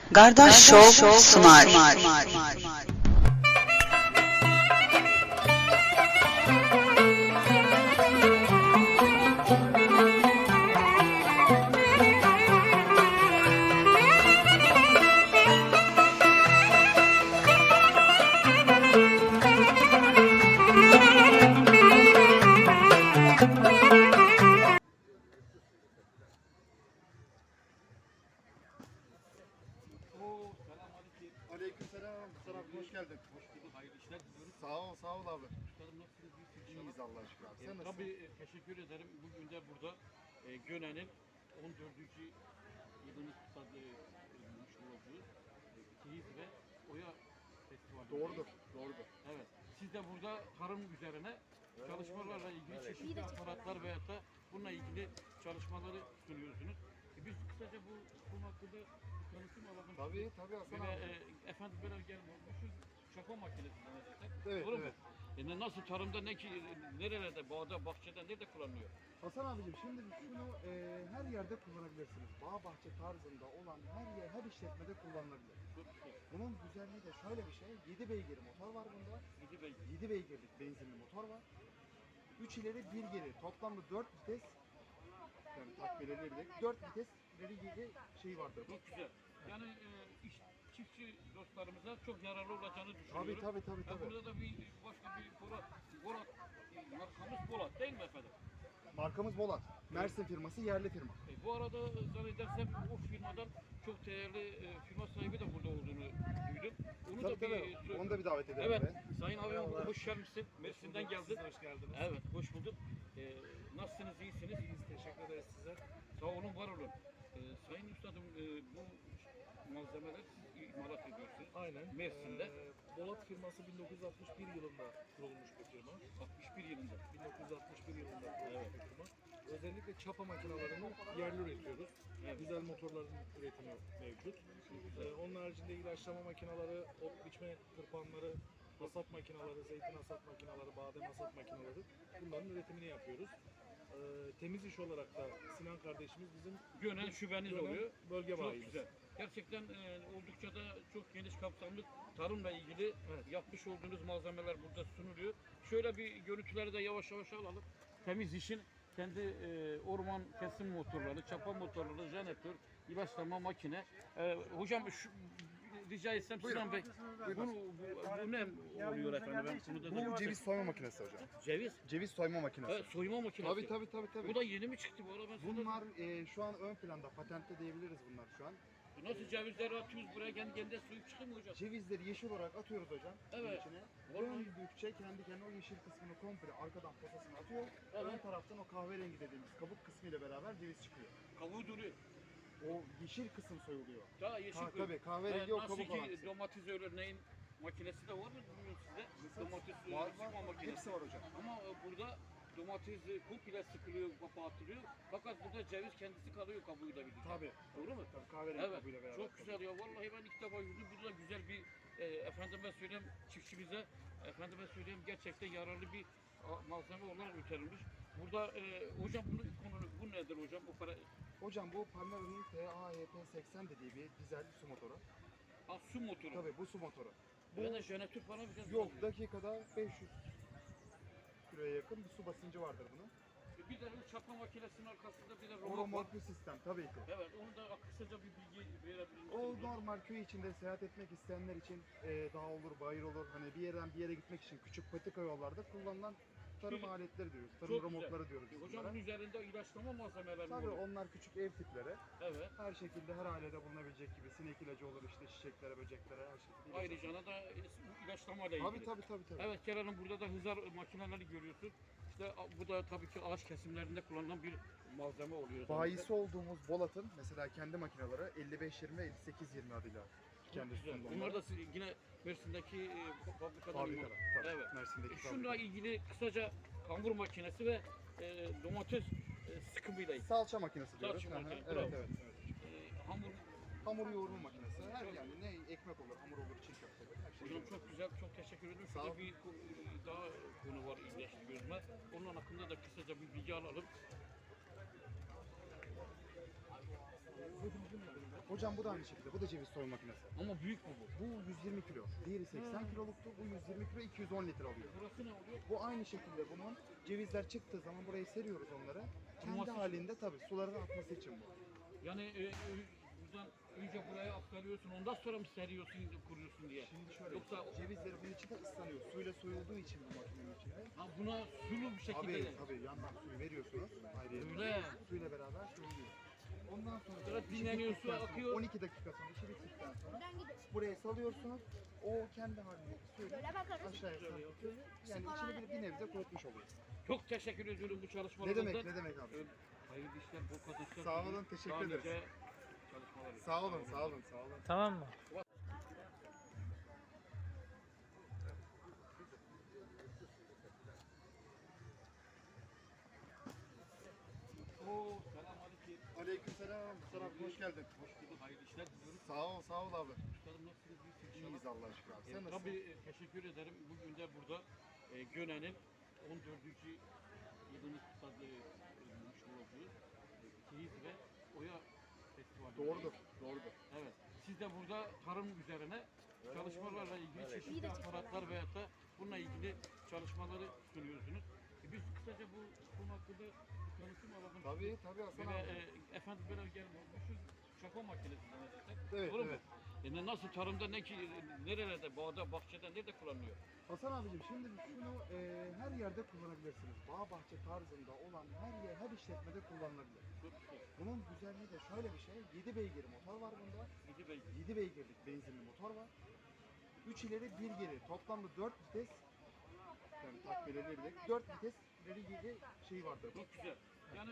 Gardaş Show sunar. Aleykümselam. Serap hoş geldin. Hoş bulduk, hayırlı işler diliyorum. Sağ ol abi. Üstadım nasılsınız? İyiyiz Allah'a şükür abi. Sen nasılsın? Tabii teşekkür ederim. Bugün de burada Gönen'in 14. yılını kutlamış olduğu Keyif ve Oya Festivali. Doğrudur. Evet. Siz de burada tarım üzerine çalışmalarla ilgili çeşitli aparatlar veyahut da bununla ilgili çalışmaları sunuyorsunuz. Biz kısaca bu konu hakkında konuşma alalım. Tabii Hasan Ve abi. efendim böyle gelmişiz çapa makinesi zannedersek. Evet, Doğru mu? evet. Nasıl tarımda ne ki nerelerde bağda bahçede nerede kullanılıyor? Hasan abicim şimdi şunu her yerde kullanabilirsiniz. Bağ bahçe tarzında olan her işletmede kullanılabilir. Çok güzel. Bunun güzelliği de şöyle bir şey. 7 beygir motor var bunda. Gidi Bey. 7 beygirlik benzinli motor var. 3 ileri 1 geri. Toplamda 4 vites. Yani takviyeleri de 4 vites ileri geri şey vardır. Çok güzel. Yani çiftçi dostlarımıza çok yararlı olacağını düşünüyorum. Tabii. Burada da başka bir Bolat markamız Bolat değil mi efendim? Markamız Bolat. Mersin firması, yerli firma. Bu arada zannedersem o firmadan çok değerli firma sahibi de burada olduğunu duydum. Onu da bir Onu da bir davet edelim. Evet, be. Sayın abim hoş gelmişsin. Mersin'den geldin. Hoş geldiniz. Evet, hoş bulduk. Nasılsınız, iyisiniz? İyiyiz, teşekkür ederiz size. Sağ olun, var olun. Sayın Üstadım, bu malzemeler siz imalat ediyorsunuz. Aynen. Mersin'de. Bolat firması 1961 yılında kurulmuş bir firma. 61 yılında. 1961 yılında kurulmuş bir firma. Özellikle çapa makinalarını yerli üretiyoruz. Evet. Güzel motorların üretimi mevcut. Onun haricinde ilaçlama makineleri, ot biçme tırpanları, hasat makineleri, zeytin hasat makineleri, badem hasat makineleri bunların üretimini yapıyoruz. Temiz iş olarak da Sinan kardeşimiz bizim Gönen şubeniz Gönen oluyor. bölge Çok bayimiz. güzel. Gerçekten oldukça da çok geniş kapsamlı tarımla ilgili yapmış olduğunuz malzemeler burada sunuluyor. Şöyle bir görüntüleri de yavaş yavaş alalım. Temiz işin kendi orman kesim motorları, çapa motorları, jeneratör, ilaçlama makine. Hocam rica etsem Sinan Bey, bu ne oluyor efendim? Ben bunu da Bu ceviz soyma makinesi hocam. Ceviz. Ceviz soyma makinesi. Evet, soyma makinesi. Tabii. Bu da yeni mi çıktı bu arada? Bunlar şu an ön planda, patentte diyebiliriz bunlar şu an. Nasıl cevizleri atıyoruz buraya kendi suyu çıkıyor mu hocam? Cevizleri yeşil olarak atıyoruz hocam. Evet. İçine. Vallahi. Döndükçe kendi kendine o yeşil kısmını komple arkadan posasını atıyor. Evet. Ön taraftan o kahverengi dediğimiz kabuk kısmı ile beraber ceviz çıkıyor. Kavuğu duruyor. O yeşil kısım soyuluyor. Daha yeşil koyu. Tabii kahverengi o Nasıl kabuk olan. ki domates örneğin makinesi de var mı bilmiyorum sizde? Domates Var. sıkma makinesi. Hepsi var hocam. Ama burada domates komple sıkılıyor, kapatılıyor. Fakat burada ceviz kendisi kalıyor kabuğuyla birlikte. Tabii. Doğru mu? Tabii kahverengi Evet. kabuğuyla beraber. Çok güzel ya. Vallahi ben ilk defa gördüm. Burada güzel bir efendime söyleyeyim çiftçimize efendime söyleyeyim gerçekten yararlı bir malzeme olarak üretilmiş. Burada hocam bu nedir hocam? O para Hocam bu Palmera'nın TAHP80 dediği bir dizel su motoru. su motoru. Tabii bu su motoru. Bu da jeneratör falan bir şey Yok, dakikada 500 kiloya yakın bir su basıncı vardır bunun. Bir de bu çapa makinesinin arkasında bir de O robot var. romorklu sistem tabii ki. Evet, onu da kısaca bir bilgi verebilir misiniz? O normal köy içinde seyahat etmek isteyenler için dağ olur, bayır olur. Hani bir yerden bir yere gitmek için küçük patika yollarda kullanılan tarım Çok- aletleri diyoruz. Çok Tarım güzel. romorkları diyoruz biz Hocam bunlara. bunun üzerinde ilaçlama malzemeleri mi Tabii oluyor? onlar küçük ev tipleri. Evet. Her şekilde her ailede bulunabilecek gibi sinek ilacı olur işte çiçeklere, böceklere her şekilde. ilaç Ayrıca olur. da ilaçlamayla ilgili. Tabii. Evet, Kerem burada da hızar makineleri görüyorsun. İşte bu da tabii ki ağaç kesimlerinde kullanılan bir malzeme oluyor. Bayisi olduğumuz Bolat'ın mesela kendi makineleri 55-20, 58-20 adıyla Çok kendi güzel. üstünde Bunlar da onlar. yine Mersin'deki fabrikadan Fabrikada, tabii. Evet. Mersin'deki Şununla fabrika. ilgili kısaca kambur makinesi ve domates sıkımıyla ilgili. Salça makinesi diyoruz. Salça Hı hı, makinesi, Evet. bravo. Hamur. Hamur yoğurma makinesi. Her yani ne ekmek olur, hamur olur, çiğ köfte olur. Her şey Hocam olur. çok güzel, çok teşekkür ederim. Sağ Şurada ol. bir daha konu var ilginç gözüme. Onun hakkında da kısaca bir bilgi alalım. Hocam bu da aynı şekilde. Bu da ceviz soyma makinesi. Ama büyük mü bu? Bu 120 kilo. Diğeri 80 kiloluktu. Bu 120 kilo 210 litre alıyor. Burası ne oluyor? Bu aynı şekilde bunun cevizler çıktığı zaman buraya seriyoruz onları. Kendi Kuruması için. halinde tabii suların akması için bu. Yani buradan önce buraya aktarıyorsun, ondan sonra mı seriyorsun, kuruyorsun diye? Şimdi şöyle, Yoksa cevizleri bunun içinde ıslanıyor. Suyla soyulduğu için bu makinenin içinde. ha, buna sulu bir şekilde Tabii yandan suyu veriyorsunuz. Ayrıca Öyle. suyla beraber soyuluyor. Ondan sonra Sonra dinleniyor, su akıyor. 12 dakika sonra işi bittikten sonra buraya salıyorsunuz. O kendi halinde suyla Böyle bakarız. aşağıya sarkıtıyor. Yani içini bir nebze kurutmuş oluyor. Çok teşekkür ediyorum bu Ne çalışmalarınızdan. demek ne demek abi. Hayırlı işler, bol kazançlar. Sağ olun, diliyorum. teşekkür Daha ederiz. nice çalışmalar. Sağ olun, sağ olun, sağ olun. Tamam mı? Oo, selamünaleyküm. Aleykümselam. Mustafa abi hoş geldin. Hoş bulduk, hayırlı işler diliyorum. Sağ ol abi. Üstadım nasılsınız? İyisiniz inşallah. İyiyiz Allah'a şükür abi. Sen nasılsın? Tabii teşekkür ederim. Bugün de burada Göne'nin 14. yılını kutlamış olduğu Keyiz ve Oya Festivali. Doğrudur, doğrudur. Evet. Siz de burada tarım üzerine çalışmalarla ilgili çeşitli aparatlar veyahut da bununla ilgili çalışmaları sunuyorsunuz. Biz kısaca bu konu hakkında bir tanıtım alalım. Tabii Hasan Böyle abi. efendim böyle gel şu şako makinesinden destek. Evet, Doğru mu? evet. Nasıl tarımda ne ki nerelerde bağda bahçede nerede kullanılıyor? Hasan abicim şimdi şunu her yerde kullanabilirsiniz. Bağ bahçe tarzında olan her işletmede kullanılabilir. Çok güzel. Bunun güzelliği de şöyle bir şey. 7 beygir motor var bunda. Gidi Bey. 7 beygirlik benzinli motor var. 3 ileri 1 geri. Toplamda 4 vites. Yani takviyeleri de 4 vites ileri geri şeyi vardır. Çok güzel. Yani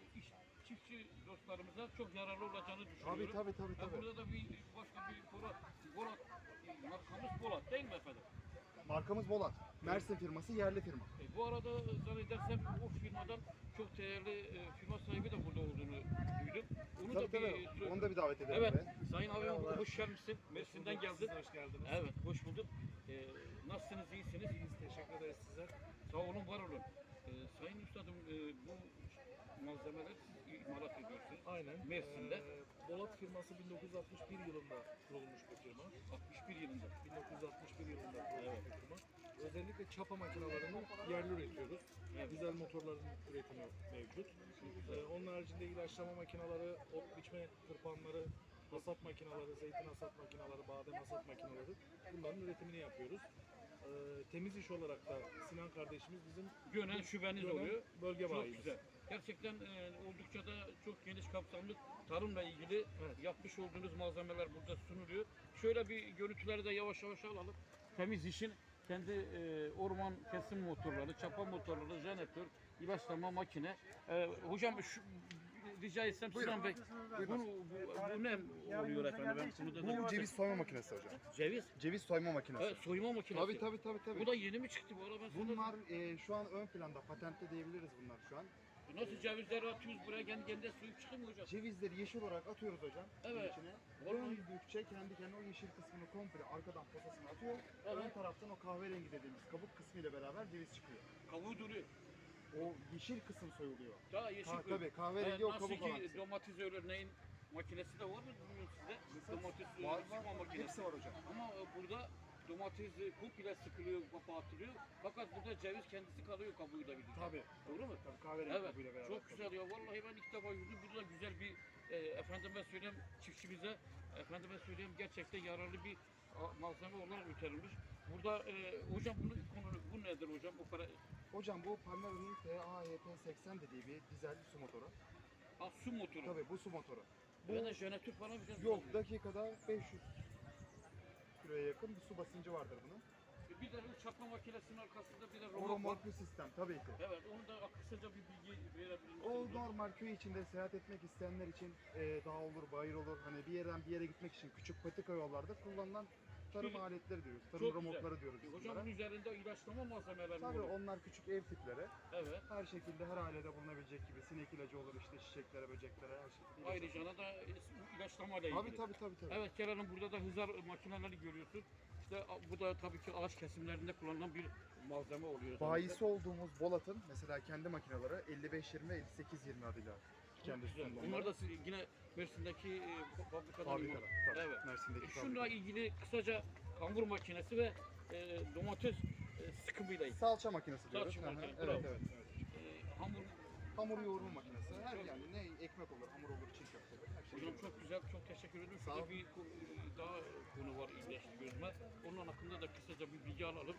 çiftçi dostlarımıza çok yararlı olacağını düşünüyorum. Tabii. Burada da başka bir Bolat markamız Bolat değil mi efendim? Markamız Bolat. Mersin firması, yerli firma. Bu arada zannedersem o firmadan çok değerli firma sahibi de burada olduğunu duydum. Onu da bir Onu da bir davet edelim. evet, be. Sayın abim hoş gelmişsin. Mersin'den geldin. Siz de hoş geldiniz. Evet, hoş bulduk. Nasılsınız, iyisiniz? İyiyiz, teşekkür ederiz size. Sağ olun, var olun. Sayın Üstadım, bu malzemeler imalat ediyorsunuz. Aynen. Mersin'de. Bolat firması 1961 yılında kurulmuş bir firma. 61 yılında. 1961 yılında kurulmuş bir firma. Özellikle çapa makinalarını yerli üretiyoruz. Evet. Güzel motorların üretimi mevcut. Onun haricinde ilaçlama makineleri, ot biçme tırpanları, hasat makineleri, zeytin hasat makineleri, badem hasat makineleri bunların üretimini yapıyoruz. Temiz iş olarak da Sinan kardeşimiz bizim Gönen şubeniz Gönen oluyor. bölge Çok bayimiz. güzel. Gerçekten oldukça da çok geniş kapsamlı tarımla ilgili yapmış olduğunuz malzemeler burada sunuluyor. Şöyle bir görüntüleri de yavaş yavaş alalım. Temiz işin kendi orman kesim motorları, çapa motorları, jeneratör, ilaçlama makine. Hocam rica etsem Sinan Bey, bu ne oluyor efendim? Ben bunu da Bu ceviz soyma makinesi hocam. ceviz. Ceviz soyma makinesi. Evet, soyma makinesi. Tabii. Bu da yeni mi çıktı bu arada? Ben sana- Bunlar şu an ön planda, patentli diyebiliriz bunlar şu an. Nasıl cevizleri atıyoruz buraya kendi kendine suyu çıkıyor mu hocam? Cevizleri yeşil olarak atıyoruz hocam. Evet. içine. Vallahi- Döndükçe kendi kendine o yeşil kısmını komple arkadan posasını atıyor. Evet. Ön taraftan o kahverengi dediğimiz kabuk kısmı ile beraber ceviz çıkıyor. Kavuğu duruyor. O yeşil kısım soyuluyor. Daha yeşil koyu. Tabii kahverengi o Nasıl kabuk olan ki kısım. domates örneğin makinesi de var mı bilmiyorum sizde? Domates Var sıkma var. makinesi. Hepsi var hocam. Ama burada domates komple sıkılıyor, kapatılıyor. Fakat burada ceviz kendisi kalıyor kabuğuyla birlikte. Tabii. Doğru mu? Tabii kahverengi Evet. kabuğuyla beraber. Çok güzel ya. Vallahi ben ilk defa gördüm. Burada güzel bir efendime söyleyeyim çiftçimize efendime söyleyeyim gerçekten yararlı bir malzeme olarak üretilmiş. Burada hocam bu nedir hocam? Bu para Hocam bu Palmera'nın TAHP80 dediği bir dizel su motoru. su motoru. Tabii bu su motoru. Ben de jeneratör falan bir şey Yok, dakikada 500 kiloya yakın bir su basıncı vardır bunun. Bir de çapa makinesinin arkasında bir de O robot var. remorklu sistem tabii ki. Evet, onu da kısaca bir bilgi verebilir misiniz? O normal köy içinde seyahat etmek isteyenler için dağ olur, bayır olur. Hani bir yerden bir yere gitmek için küçük patika yollarda kullanılan tarım Çok- aletleri diyoruz. Çok Tarım güzel. remorkları diyoruz biz Hocam bunlara. bunun üzerinde ilaçlama malzemeleri Tabii var. onlar küçük ev tipleri. Evet. Her şekilde her ailede bulunabilecek gibi sinek ilacı olur işte çiçeklere, böceklere her şekilde. Ayrıca da ilaçlamayla ilgili. Tabii. Evet Kerem Hanım, burada da hızar makineleri görüyorsun. İşte bu da tabii ki ağaç kesimlerinde kullanılan bir malzeme oluyor. Bayisi olduğumuz Bolat'ın mesela kendi makineleri 55-20 ve 58-20 adıyla kendi Güzel. sütünde Bunlar onlar. da yine Mersin'deki fabrikadan Fabrikada. imal. Tabii. Evet. Mersin'deki Şununla fabrika. ilgili kısaca kambur makinesi ve domates sıkımıyla ilgili. Salça makinesi diyoruz. Salça Hı hı, makinesi, Evet, bravo. evet. Hamur. Hamur yoğurma makinesi. Her Çok- yani ne ekmek olur, hamur olur, çiğ köfte olur. Her şey Hocam olur. çok güzel, çok teşekkür ederim. Sağ Şurada ol. bir daha konu var ilginç gözüme. Onun hakkında da kısaca bir bilgi alalım.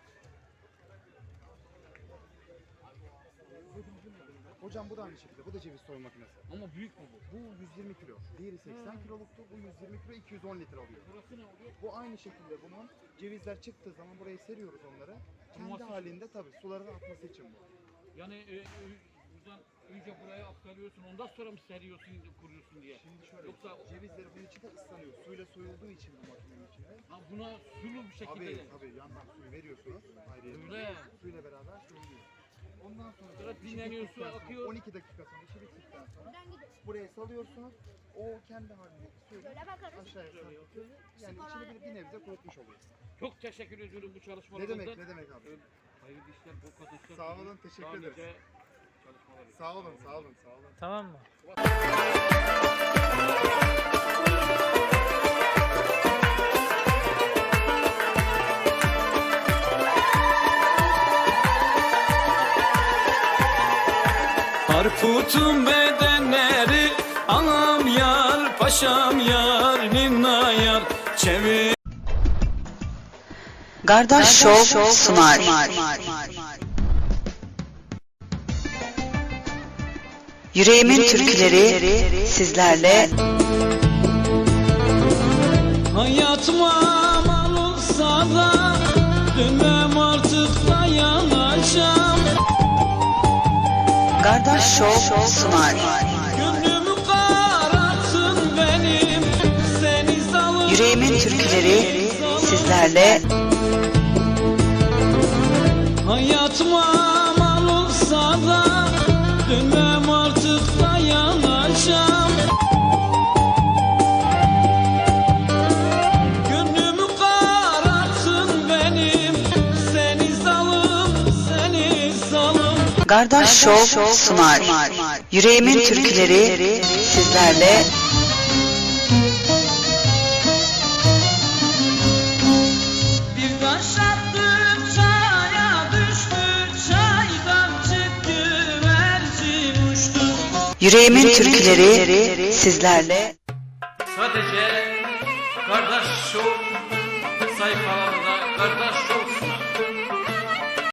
Hocam bu da aynı şekilde. Bu da ceviz soyma makinesi. Ama büyük mü bu? Bu 120 kilo. Diğeri 80 kiloluktu. Bu 120 kilo 210 litre alıyor. Burası ne oluyor? Bu aynı şekilde bunun cevizler çıktığı zaman buraya seriyoruz onları. Kendi Kuruması için. halinde tabii suların atması için bu. Yani buradan önce buraya aktarıyorsun, ondan sonra mı seriyorsun, kuruyorsun diye. Şimdi şöyle Yoksa cevizleri bunun içinde ıslanıyor. Suyla soyulduğu için bu makinenin içinde. ha, buna sulu bir şekilde Tabii de. tabii yandan suyu veriyorsunuz. Ayrıca Öyle. suyla beraber soyuluyor. Ondan sonra Sonra işi dinleniyor, su bittikten sonra, akıyor. 12 dakika sonra işi bittikten sonra buraya salıyorsunuz. O kendi halindeki suyla aşağıya sarkıtıyor. Yani içini bir nebze kurutmuş oluyor. Çok teşekkür ediyorum bu Ne çalışmalarınızdan. demek ne demek abi. Hayırlı işler, bol kazançlar. Sağ olun, teşekkür Daha ederiz. nice çalışmalar. Sağ olun sağ olun sağ olun. Tamam mı? Harput'un bedenleri anam yar, paşam yar, ninna yar, çevir. Gardaş Show sunar. Yüreğimin türküleri sizlerle. Hayatıma mal olsa da dönmem artık dayanacağım. Gardaş Show sunar. Gönlümü karartın benim, seni zalim. Yüreğimin türküleri sizlerle. Hayatıma mal olsa da dönmem artık dayanacağım. Gönlümü karartın benim, seni zalim, seni zalim. Gardaş Show sunar. Yüreğimin türküleri sizlerle. Bir taş attı çaya düştü, çaydan çıktı güvercin uçtu. Yüreğimin türküleri sizlerle. Sadece Kardeş Show sayfalarında Kardeş Show